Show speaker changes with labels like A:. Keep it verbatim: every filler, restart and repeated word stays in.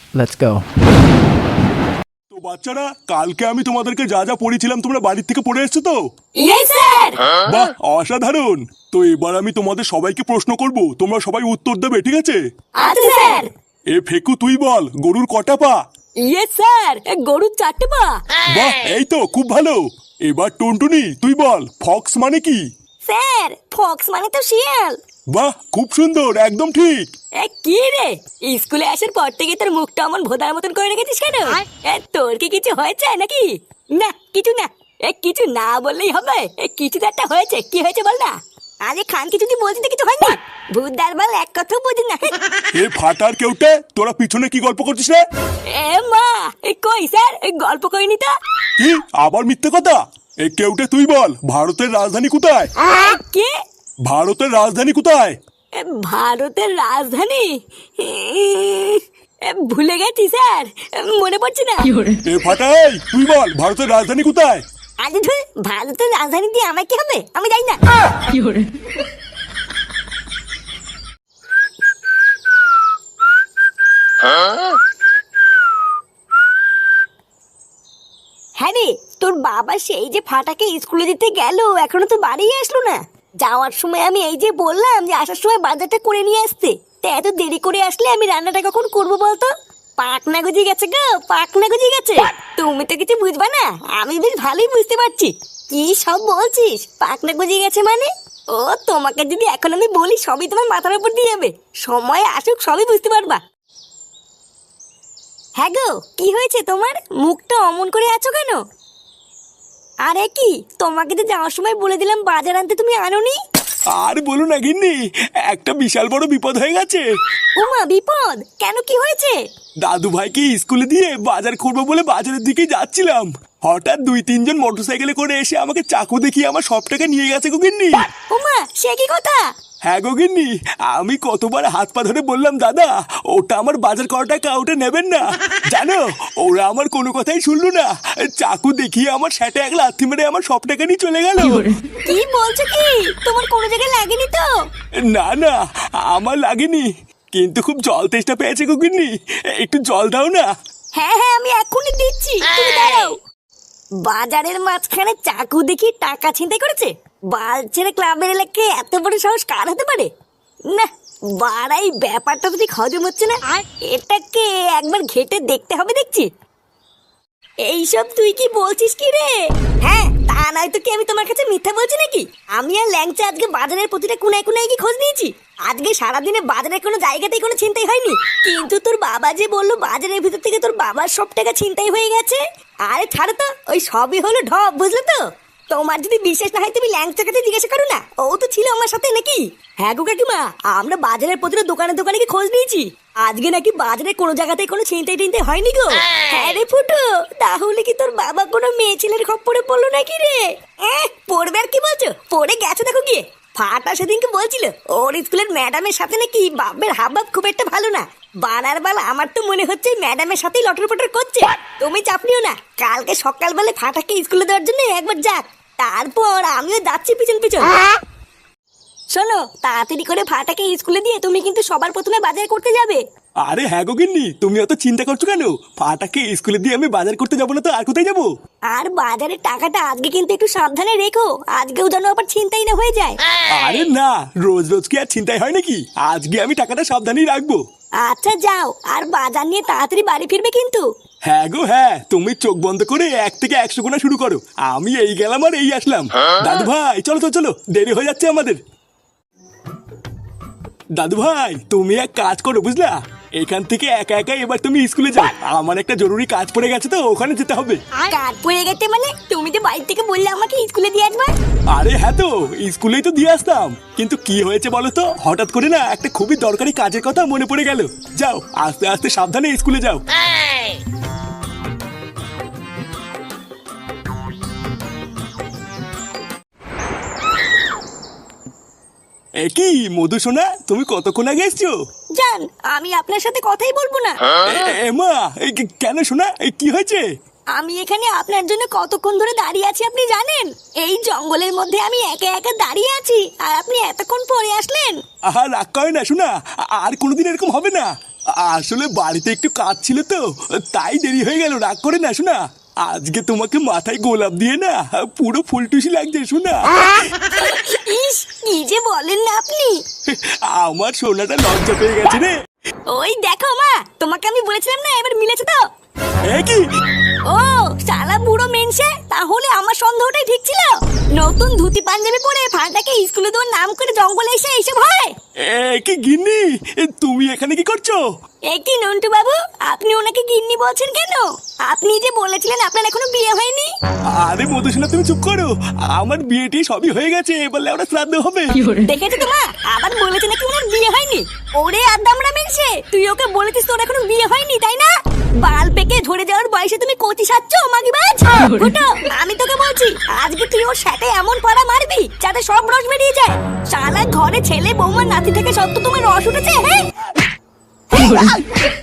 A: Let's go.
B: তো বাচ্চারা, কালকে আমি তোমাদেরকে যা যা পড়েছিলাম তোমরা বাড়ির থেকে পড়ে এসছো তো?
C: Yes sir.
B: বাহ, অসাধারণ। তো এবার আমি তোমাদের সবাইকে প্রশ্ন করব, তোমরা সবাই উত্তর দেবে, ঠিক আছে?
C: আচ্ছা স্যার।
B: এ ফেকু, তুই বল, গরুর কটা পা?
C: ইয়েস স্যার, গরুর চারটে পা।
B: বাহ, এই তো খুব ভালো। এবার টুনটুনি, তুই বল, ফক্স মানে কি?
C: স্যার, ফক্স মানে তো শিয়াল।
B: বাহ, খুব সুন্দর, একদম ঠিক।
C: এ কি রে, স্কুলে আসার পর থেকে তোর মুখটা অমন ভোদার মতন করে রেখেছিস কেন? এ, তোর কি কিছু হয়েছে নাকি? না, কিছু না। এ কিছু না বললেই হবে। এ কিছু তো একটা হয়েছে, কি হয়েছে বল না। আরে খান কিছু তুই বলছিস কিছু হয়নি। ভূতদার বল এক কথাও বুঝি না।
B: এ ফাটার কেউটে, তোরা পিছনে কি গল্প করছিস রে?
C: এ মা, এ কই স্যার, এ গল্প করিনি তো।
B: কি আবার মিথ্যে কথা? এ কেউটে, তুই বল, ভারতের রাজধানী কোথায়?
C: এ, কি?
B: ভারতের রাজধানী কোথায়?
C: এ, ভারতের রাজধানী? এ, ভুলে গেছি স্যার, মনে পড়ছে না।
B: এ ফাটাই, তুই বল, ভারতের রাজধানী কোথায়?
C: আজ ধুর, ভারতের রাজধানী দিয়ে আমার কি হবে, আমি জানি না। হ্যাঁ রে, তোর বাবা সেই যে ফাটাকে স্কুলে দিতে গেল, এখনো তো বাড়ি আসলো না। যাওয়ার সময় আমি এই যে বললাম যে আসার সময় বাজারটা করে নিয়ে আসতে, তা এত দেরি করে আসলে আমি রান্নাটা কখন করবো বলতো? পাকনা গজিয়ে গেছে গো, পাকনা গজিয়ে গেছে। তুমি তো কিছু বুঝবা না, আমি বেশ ভালোই বুঝতে পারছি। কি সব বলছিস, পাকনা গজিয়ে গেছে মানে? ও তোমাকে যদি এখন আমি বলি, সবই তোমার মাথার উপর দিয়ে যাবে। সময় আসুক, সবই বুঝতে পারবা। হ্যাঁ গো, কি হয়েছে তোমার? মুখটা অমন করে আছো কেন? আরে কি, তোমাকে তো যাওয়ার সময় বলে দিলাম বাজার আনতে, তুমি আনোনি।
B: আর বলো না গিন্নি, একটা বিশাল বড় বিপদ হয়ে গেছে।
C: ওমা, বিপদ কেন, কি হয়েছে?
B: দাদু ভাইকে স্কুলে দিয়ে বাজার করবো বলে বাজারের দিকে যাচ্ছিলাম, হঠাৎ দুই তিনজন মোটরসাইকেলে করে এসে আমাকে চাকু দেখিয়ে আমার সব টাকা নিয়ে গেছে গো গিন্নি।
C: ওমা, সে কি কথা?
B: হ্যাঁ গো গিন্নি, আমি কতবার হাত পা ধরে বললাম দাদা ওটা আমার বাজার করা টাকা, ওটা নেবেন না। জানো, ওরা আমার কোনো কথাই শুনলো না, চাকু দেখিয়ে আমার সেটা এক লাথি মেরে আমার সব টাকা নিয়ে চলে গেল।
C: কি বলছো কি, তোমার কোনো জায়গায় লাগেনি তো?
B: না না, আমার লাগেনি, কিন্তু খুব জল তেষ্টা পেয়েছে গো গিন্নি, একটু জল দাও না।
C: হ্যাঁ হ্যাঁ, আমি এক্ষুনি দিচ্ছি, তুমি দাঁড়াও। বাজারের মাঝখানে চাকু দেখি টাকা ছিনতাই করেছে? বালছেড়ে ক্লাবের এলাকায় এত বড় সাহস কার হতে পারে? না, বাড়াই ব্যাপারটা তো ঠিক হজম হচ্ছে না। এটাকে একবার ঘেটে দেখতে হবে দেখছি। এইসব তুই কি বলছিস কি রে? হ্যাঁ, তা নয় তো কি আমি তোমার কাছে মিথ্যা বলছি নাকি? আমি আর ল্যাংচা আজকে বাজারের প্রতিটা কোনায় কোনায় কি খোঁজ নিয়েছি। আজকে সারাদিনে বাজারের কোনো জায়গাতেই কোনো ছিনতাই হয়নি। কিন্তু তোর বাবা যে বললো বাজারের ভিতর থেকে তোর বাবার সব টাকা ছিনতাই হয়ে গেছে। আরে ছাড়ো তো, ওই সবই হলো ঢপ, বুঝলে তো? তোমার যদি বিশ্বাস না হয় তুমি ল্যাংচার কাছে জিজ্ঞাসা করো না, ও তো ছিল আমার সাথে নাকি। হ্যাঁ গো কাকিমা, আমরা বাজারের প্রতিটা দোকানে দোকানে কি খোঁজ নিয়েছি। আজকে নাকি বাজারে কোনো জায়গাতে কোনো ছিনতাই টিনতাই হয়নি গো। হ্যাঁ রে ফুটো, তাহলে কি তোর বাবা কোনো মেয়ে ছেলের খপ্পরে পড়লো নাকি রে? এহ, পড়বে আর কি বলছো, পড়ে গেছে দেখো গিয়ে। ফাটা সেদিনকে বলছিল ওর স্কুলের ম্যাডামের সাথে নাকি বাপের হাবভাব খুব একটা ভালো না। বানার বেলা আমার তো মনে হচ্ছে ম্যাডামের সাথেই লটর পটর করছে। তুমি চাপ নিও না, কালকে সকালবেলা ফাটাকে স্কুলে দেওয়ার জন্য একবার যাক, তারপর আমিও যাচ্ছি পিছন পিছন। শোনো, তাড়াতাড়ি করে ফাটাকে স্কুলে দিয়ে তুমি কিন্তু সবার প্রথমে বাজার করতে যাবে।
B: আরে হ্যাঁ গো গিন্নি, তুমি অত চিন্তা করছো কেন? ফাটাকে স্কুলে দিয়ে আমি বাজার করতে যাবো না তো আর কোথায় যাবো?
C: আর বাজারের টাকাটা আজকে কিন্তু একটু সাবধানে রেখো, আজকেও যেন আবার ছিনতাই না হয়ে যায়।
B: আরে না, রোজ রোজ কি আর চিন্তাই হয় নাকি? আজকে আমি টাকাটা সাবধানেই রাখবো।
C: আচ্ছা যাও, আর বাজার নিয়ে তাড়াতাড়ি বাড়ি ফিরবে কিন্তু।
B: হ্যাঁ গো হ্যাঁ, তুমি চোখ বন্ধ করে এক থেকে একশো গোনা শুরু করো, আমি এই গেলাম আর এই আসলাম। দাদু ভাই চলো তো, চলো, দেরি হয়ে যাচ্ছে আমাদের। দাদু ভাই, তুমি এক কাজ করো বুঝলা, এখান থেকে একা একা এবার তুমি স্কুলে যাও, আমার একটা জরুরি কাজ পড়ে গেছে তো ওখানে যেতে হবে।
C: কাজ পড়ে গেছে মানে? তুমি তো বাড়ি থেকে বললে আমাকে স্কুলে দিয়ে আসবে।
B: আরে হ্যাঁ, তো স্কুলেই তো দিয়ে আসতাম, কিন্তু কি হয়েছে বলো তো, হঠাৎ করে না একটা খুবই দরকারি কাজের কথা মনে পড়ে গেল। যাও, আস্তে আস্তে সাবধানে স্কুলে যাও। এ কি মধু সোনা, তুমি কতক্ষণ আগে এসছো?
C: জান, আমি আপনার সাথে কথাই বলবো না।
B: এ- এ মা, এই কে- কেন সোনা, এই কি হয়েছে?
C: আমি এখানে আপনার জন্য কতক্ষণ ধরে দাঁড়িয়ে আছি আপনি জানেন? এই জঙ্গলের মধ্যে আমি একা একা দাঁড়িয়ে আছি, আর আপনি এতক্ষণ পরে আসলেন।
B: আহা, রাগ করে না শোনা, আর কোনোদিন এরকম হবে না। আসলে বাড়িতে একটু কাজ ছিল তো, তাই দেরি হয়ে গেল। রাগ করে না শোনা, আজকে তোমাকে মাথায় গোলাপ দিয়ে না পুরো ফুলটুসি লাগছে শোনা।
C: ইস, কি যে বলেন না আপনি।
B: আমার সোনাটা লজ্জা পেয়ে গেছে রে।
C: ওই দেখো মা, তোমাকে আমি বলেছিলাম না, এবার মিলেছে তো।
B: এ কি?
C: ও শালা বুড়ো মেনসে, তাহলে আমার সন্দেহটাই ঠিক ছিল। নতুন ধুতি পাঞ্জাবি পরে ফাটাকে স্কুলে দেওয়ার নাম করে জঙ্গলে এসে এইসব হয়।
B: এ কি গিন্নি, তুমি এখানে কি করছো?
C: এ কি নন্টু বাবু, আপনি ওনাকে গিন্নি বলছেন কেন? আপনি যে বলেছিলেন আপনার এখনো বিয়ে হয়নি।
B: আরে মধুসোনা তুমি চুপ করো, আমার বিয়েটি সবই হয়ে গেছে, এবার ওরা শ্রাদ্ধ হবে।
C: দেখেছো তো মা, আবার বলেছে নাকি ওনার বিয়ে হয়নি। ওরে আদামরা মেনসে, তুই ওকে বলেছিস তোর এখনো বিয়ে হয়নি, তাই না? বাল পেকে ঝরে যাওয়ার বয়সে তুমি কচি সাচ্ছ মাগিবাজ। ফুটো, আমি তোকে বলছি আজকে তুই ওর সাথে এমন পাড়া মারবি যাতে সব রস বেরিয়ে যায়। শালা ঘরে ছেলে বৌমা নাতি থেকে সত্য তোমার রস উঠেছে। হ্যাঁ